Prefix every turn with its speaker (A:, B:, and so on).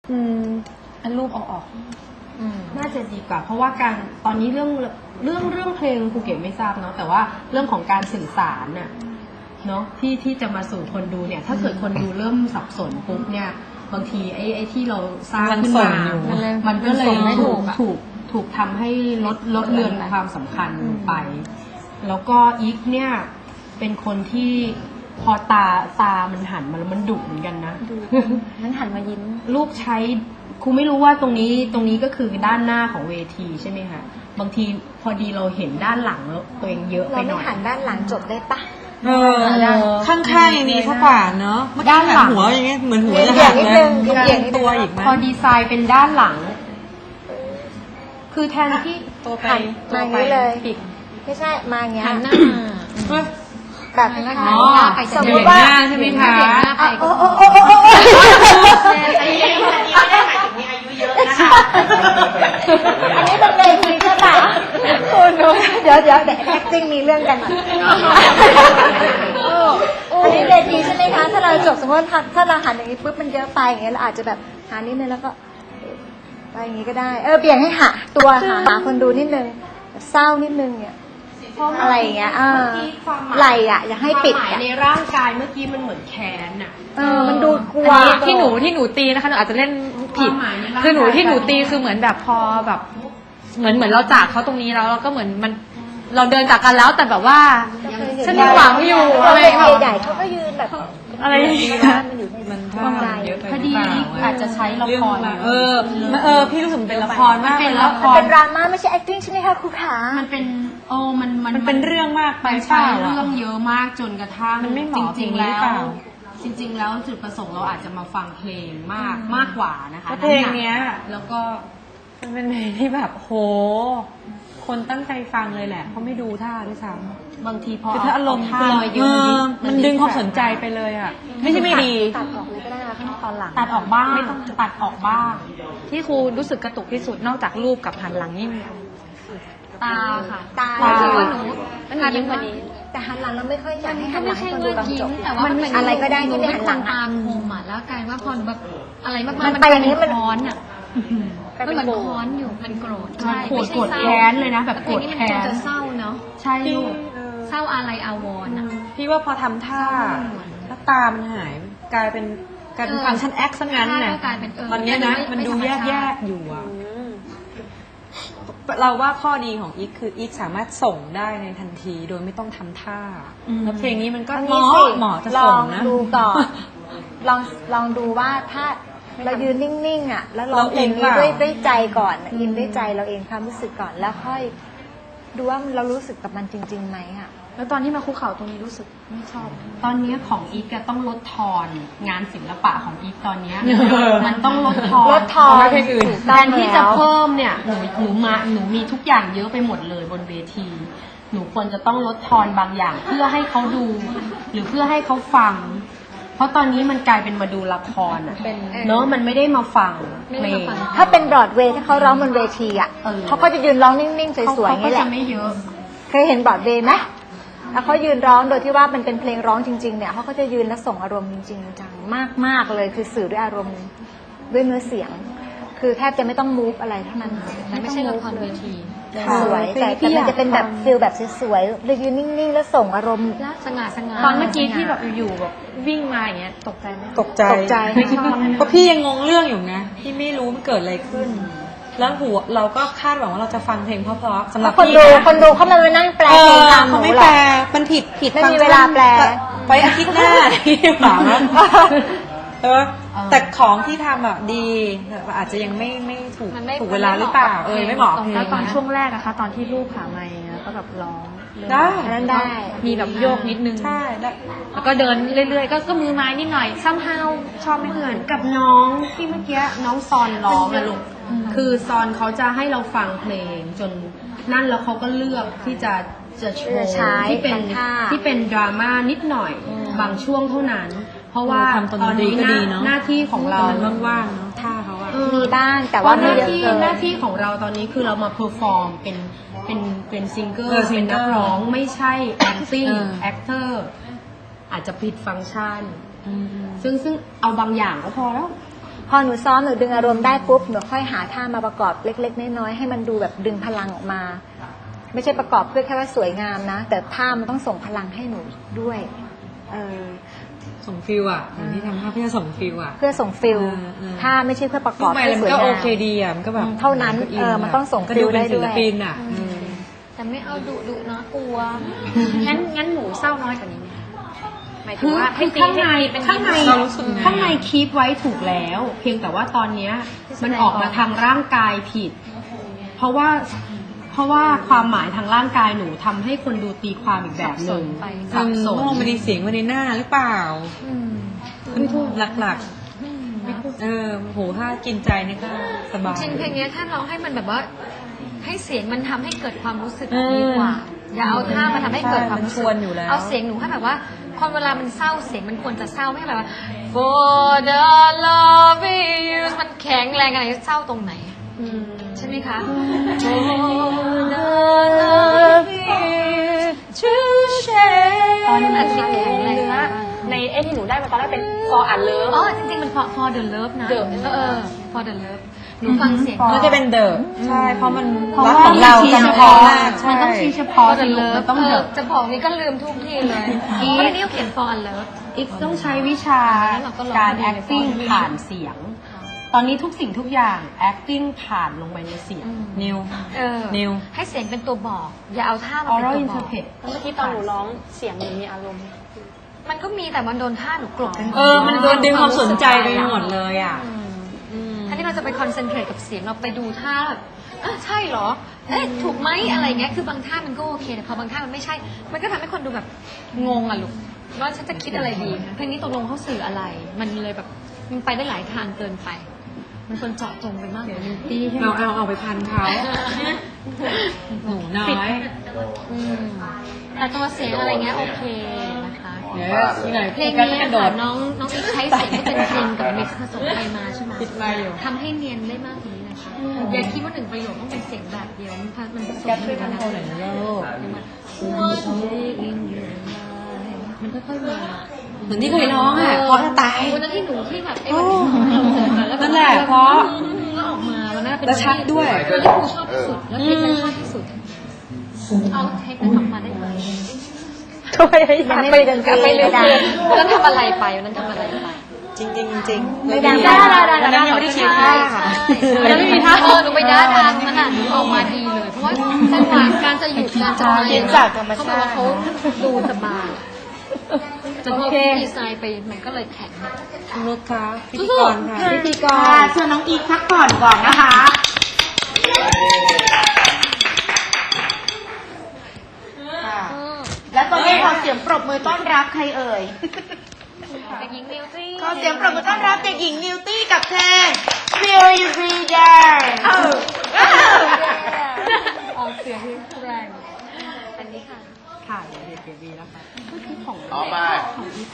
A: อันรูปเอาออก
B: น่าจะดีกว่าเพราะว่าการตอนนี้เรื่องเพลงภูเก็ตไม่ทราบเนาะแต่ว่าเรื่องของการสื่อสารน่ะเนาะที่จะมาสู่คนดูเนี่ยถ้าเกิดคนดูเริ่มสับสนปุ๊บเนี่ยบางทีไอ้ที่เราสร้างขึ้นมามันก็เลยถูกทำให้ลดเลือนความสำคัญไปแล้วก็อีกเนี่ยเป็นคนที่พอตามันหันมาแล้วมันดุเหมือนกันนะ
A: นั้นหันมายิ้ม
B: ลูกใช้ครูไม่รู้ว่าตรงนี้ก็คือด้านหน้าของเวทีใช่ไหมคะบางทีพอดีเราเห็นด้านหลังแล้วตัวเองเยอะไปหน่อย
A: เราไม่หันด้านหลังจบได้ปะ
C: ข้างๆอย่างนี้เขากว่าเนาะด้านหลังหัวอย่างเงี้ยเหมือนหัวจะหักเลยเกี่ยงตัวอีกไหม
B: พอดีไซน์เป็นด้านหลังคือแทนที่
C: ตัวไป
A: มาอย่างนี้เลยไม่ใช่มาอย่างเงี้ย
B: หันหน้า
A: แบบ
B: สมมติว่าใช่ไหมคะ
A: อันนี้เป็นเวทีใช่ปะคุณเดี๋ยวacting มีเรื่องกันอันนี้เวทีใช่ไหมคะถ้าเราจบสมมติถ้าเราหันอย่างนี้ปุ๊บมันเยอะไปอย่างเงี้ยเราอาจจะแบบหันนิดนึงแล้วก็ไปอย่างนี้ก็ได้เบี่ยงให้หาตัวหาคนดูนิดนึงเศร้านิดนึงเนี่ยอะไรอย่างเงี้ยไหลอ่ะอย่าให้ปิด
B: ในร่างกายเมื่อกี้มันเหมือนแขนอ่ะ
A: มันดูกลัว
D: ที่หนูตีนะคะหนูอาจจะเล่นผิดคือที่หนูตีคือเหมือนแบบพอแบบเหมือนเราจากเขาตรงนี้แล้วเราก็เหมือนมันเราเดินจากกันแล้วแต่แบบว่าฉันยังหวังอยู่อะไร
A: ใหญ่เขาก็ยืนแบบ
D: อะไร
A: มันอยู่ใน
C: มัน
A: ใจ
B: พอดีอาจจะใช้ละคร
C: พี่รู้สึกเป็นละครมาก
A: เป็นละครเป็นดราม่าไม่ใช่ acting ใช่ไหมคะครูขา
B: มันเป็นมัน
C: เป็นเรื่องมากไป
B: ใช่เรื่องเยอะมากจนกระทั่ง
C: จริงๆ
B: แล้วจุดประสงค์เราอาจจะมาฟังเพลงมากกว่านะคะ
C: เพลงเนี้ย
B: แล้วก็
C: มันเป็นเพลงที่แบบโหคนตั้งใจฟังเลยแหละเขาไม่ดูท่าด้วยซ้
B: ำบางทีพอ
C: ถ้าอารมณ์ท่ามันดึงความสนใจไปเลยอ่ะไม่ใช่ไม่ดี
A: ตัดออกเลยก็ได้นะขั้นตอนหลัง
B: ตัดออกบ้างตัดออกบ้าง
D: ที่ครูรู้สึกกระตุกที่สุดนอกจากรูปกับหันหลังนี่
B: ตาค่ะ
A: ตา
D: คือว่าหนู
A: ยิ้มกว่านี้แต่หันหลังเราไม่ค่อยอยากให้หันหลังให้คนดูตอนจบ
B: แต่ว่ามัน
A: อะไรก็ได้ที่ไม่หันหลัง
B: ตามมุมอ่ะแล้วกลายว่าพอแบบอะไรมาก
A: ๆมันไปอย่างนี้มัน
B: ร้อนอ่ะมันเหมือนร้อนอยู่มันโกรธใช่โกรธแค้นเลยนะแบบโกรธแค้นจะเศร้าเนาะใช่ลูกเศร้าอะไรอาวรณ์อ่ะ
C: พี่ว่าพอทำท่าแล้วตามันหายกลายเป็นฟังก์ชันแอคซะงั้นน่ะตอนนี้นะมันดูแยกอยู่อ่ะเราว่าข้อดีของอีกคืออีกสามารถส่งได้ในทันทีโดยไม่ต้องทำท่าแล้วเพลงนี้มันก็เหมาะจะส่งนะ
A: ดูก่อนลองดูว่าถ้าเรายืนนิ่งๆอ่ะแล้วร้องเพลงนี้ด้วยใจก่อนอินด้วยใจเราเองความรู้สึกก่อนแล้วค่อยดูว่าเรารู้สึกกับมันจริงๆไหมอ่ะ
D: แล้วตอนที่มาคุกเข่าตรงนี้รู้สึกไม่ชอบ
B: ตอนนี้ของอีกต้องลดทอนงานศิลปะของอีกตอนนี้มันต้องลดทอนแทนที่จะเพิ่มเนี่ยหนูมีทุกอย่างเยอะไปหมดเลยบนเวทีหนูควรจะต้องลดทอนบางอย่างเพื่อให้เขาดูหรือเพื่อให้เขาฟังเพราะตอนนี้มันกลายเป็นมาดูละครอ่ะเนอะมันไม่ได้มาฟังเพลง
A: ถ้าเป็นบรอดเวย์ถ้าเขาร้องบนเวทีอ่ะเขาก็จะยืนร้องนิ่งๆสวยๆนี่แหละ
B: ไม่เยอะ
A: เคยเห็นบรอดเวย์ไหมแล้วเขายืนร้องโดยที่ว่ามันเป็นเพลงร้องจริงๆเนี่ยเขาก็จะยืนและส่งอารมณ์จริงๆจังมากๆเลยคือสื่อด้วยอารมณ์ด้วยเนื้อเสียงคือแทบจะไม่ต้องมูฟอะไรเท่านั้น
D: มันไม่ใช่ละครเวที
A: สวยแต่มันจะเป็นแบบฟิลแบบสวยๆเลยยืนนิ่งๆแล้วส่งอารมณ์
D: สง่าตอนเมื่อกี้ที่แบบอยู่แบบวิ่งมาอย่างเงี้ยตกใจไหม
C: ตกใจไม่ชอบเพราะพี่ยังงงเรื่องอยู่นะพี่ไม่รู้มันเกิดอะไรขึ้นแล้วเราก็คาดหวังว่าเราจะฟังเพลงเพราะๆสำหรับ
A: คนดูเขามานั่งแปลเพลงตาม
C: เขาไม่แปลมันผิด
A: ไม่มีเวลาแปล
C: ไปอาทิตย์หน้าที่หวังแต่ของที่ทำอ่ะดีอาจจะยังไม่ถูกเวลาหรือเปล่าไม่เหมาะ
D: แล้วตอนช่วงแรกนะคะตอนที่ลูกขาไมค์ก็แบบร้อง
A: ได้
D: มีแบบโยกนิดนึง
C: ใช่
D: แล้วก็เดินเรื่อยๆก็มือไม้นิดหน่อยซ้ำเฮาชอบไม่เหมือน
B: กับน้องที่เมื่อกี้น้องซอนร้องอะลูกคือซอนเขาจะให้เราฟังเพลงจนนั่นแล้วเขาก็เลือกที่จะโชว์ที่เป็นดราม่านิดหน่อยบางช่วงเท่านั้นเพราะว่าตอนนี้หน้าที่ของเรา
C: ว่างๆเนาะท่าเขาอะ
A: มีบ้างแต่ว่า
B: หน้าที่ของเราตอนนี้คือเรามาเพอร์ฟอร์มเป็นซิงเกิลเป็นนักร้องไม่ใช่ acting actor อาจจะผิดฟังก์ชันซึ่งเอาบางอย่างก็พอแล้ว
A: พอหนูซ้อมหนูดึงอารมณ์ได้ปุ๊บหนูค่อยหาท่ามาประกอบเล็กๆน้อยๆให้มันดูแบบดึงพลังออกมา ไม่ใช่ประกอบเพื่อแค่ว่าสวยงามนะแต่ท่ามันต้องส่งพลังให้หนูด้วย
C: ส่งฟิลอ่ะอย่างที่ทำท่าเพื่อส่งฟิลอ่ะ
A: เพื่อส่งฟิลท่าไม่ใช่เพื่อประกอบ
C: ไม่
A: เพื่อ
C: มั
A: ส
C: น
A: วย
C: ก็
A: งา
C: โอ
A: ม
C: เคดีอ่ะมันก็แบบ
A: เท่านั้นมันต้องส่ง
C: ก็
A: ฟิ
C: ดู
A: ล
C: เป็
A: ได้
C: นศิ
A: ด้
C: ล
A: วย
C: ปินอ่ะ
D: แต่ไม่เอาดุนะกลัว งั้นหนูเศร้าน้อยกว่านี้ไหมหมายถึงว่าให้ตี
B: ข้างใน
D: ให้ตีเป็น
B: ข้างใน
C: เรารู้สึกไง
B: ข้างในคีปไว้ถูกแล้ว เพียงแต่ว่าตอนเนี้ยมันออกมาทางร่างกายผิด เพราะว่าความหมายทางร่างกายหนูทำให้คนดูตีความอีกแบบหนึ่งสับสน
C: มองมันในเสียงมันในหน้าหรือเปล่าหลักโหถ้ากินใจนี่ก็สบาย
D: จริงเพลงนี้ถ้าร้องให้มันแบบว่า ให้เสียงมันทำให้เกิดความรู้สึกดีกว่า อย่าเอาท่ามาทำให้เกิดความรู้สึก
C: มันชวนอยู่แล้ว
D: เอาเสียงหนูให้แบบว่าคนเวลามันเศร้าเสียงมันควรจะเศร้าไม่ให้แบบว่า for the love you มันแข็งแรงอะไรเศร้าตรงไหนใช่ไหมคะ
E: ตอนนั้นที่แข็งแรงมากในที่หนูได้มาตอนแรกเป็น for a love
D: อ๋อจริงๆมัน for the love นะfor the love หนูฟังเสียง
C: น่าจะเป็นเดอะใช่เพราะมัน
B: เพราะ
C: รัก
B: ว่า
C: ของเรา
B: มัน
C: จำ
B: เฉ
C: พอ
B: พาะ
C: มาก
B: มันต้องชี้เฉพาะสิลูกมันต้องเดอะ
D: จะบอกนี่ก็ลืมทุกทีเลยเพราะในนี้เขาเขียน for a love
B: อีกต้องใช้วิชา
D: แล้วเราก็ร้อง
B: การ
D: เพลง
B: acting ผ่านเสียง ตอนนี้ทุกสิ่งทุกอย่าง acting ผ่านลงไปในเสียง
C: นิว นิว
D: ให้เสียงเป็นตัวบอก อย่าเอาท่ามาเป็น
B: oral
D: ตัวบอก
B: interpret
E: เมื่อกี้ตอนหนูร้องเสียงหนูมีอารมณ์
D: มันก็มีแต่มันโดนท่าหนูกลบไปหมด
C: มันโดนดึงความสนใจไปหมดเลยอ่ะ
D: อันนี้เราจะไปคอนเซนเทรตกับเสียงเราไปดูท่าแบบใช่เหรอ เอ๊ะถูกไหมอะไรเงี้ยคือบางท่ามันก็โอเคแต่พอบางท่ามันไม่ใช่ มันก็ทำให้คนดูแบบงงอ่ะลูกว่าฉันจะคิดอะไรดีเพลงนี้ตกลงเขาสื่ออะไร มันเลยแบบมันไปได้หลายทางเกินไป มันควรเจาะจงไปมากกว่านี้
C: เอาไปพันเขาหนูน้อย
D: แต่ตัวเสียงอะไรเงี้ยโอเคนะคะ
C: เดี๋ยวที่ไหน
D: เพลง
C: ก็
D: นี้
C: กระโด
D: ค่ะ
C: ด
D: น้องอีกใช้เสียงที่เป็นเพลงกับมิกซ์ผสมไปมาใช่ไหม
C: ปิดไมค์อยู่
D: ทำให้เนียนได้มากกว่านี้นะคะอย่าคิดว่าหนึ่งประโยคต้องเป็นเสียงแบบเดียวมันผสมกันไปนะมันค่อยๆมา
C: เหมือนที่เคยร้องอ่ะเพราะจะตาย
D: วันนั้นที่หนูที่แบบไอ้
C: นั่นแหละเพราะ
D: ก็ออกมาวันนั้นเป็น
C: แล้วชัดด้วย
D: วันที่ครูชอบที่สุดแล้วเทคนั้นชอบที่สุดเอาเทคนั้นออกมาได้ไหม
A: ยังไม่ได้ดนตรี
D: ไปเลย
A: ไม่ดัง
D: วันนั้นทำอะไรไปวันนั้นทำอะไรไป
C: จริงจริงจริง
A: ไม่ดัง
C: วันนั้นยังไม่ได้คิดท่าค่ะ
D: วันนั้นไม่มีท่าหนูไปด้าทางนั้นอ่ะออกมาดีเลย เพราะว่าจังหวะการจะหยุดการจะไปเขาบอกว่าเขาดูสบายแต่พอดีไซน์ไปมันก็เลยแข็ง
C: นุชคะพิธีกรค่ะ
A: พิธีกร
B: เชิญน้องอีกพักผ่อนก่อนนะคะ
F: และตอนนี้ขอเสียงปรบมือต้อนรับใครเอ่ย
D: เด็กหญิงนิวตี้
F: ขอเสียงปรบมือต้อนรับเด็กหญิงนิวตี้กับเพลง Feel You Be There
D: ออกเสียงที่แรงอันนี้ค่ะ
B: ค่ะเดี๋ยวเดี๋ยวแล้วค่ะ
G: ต่อไป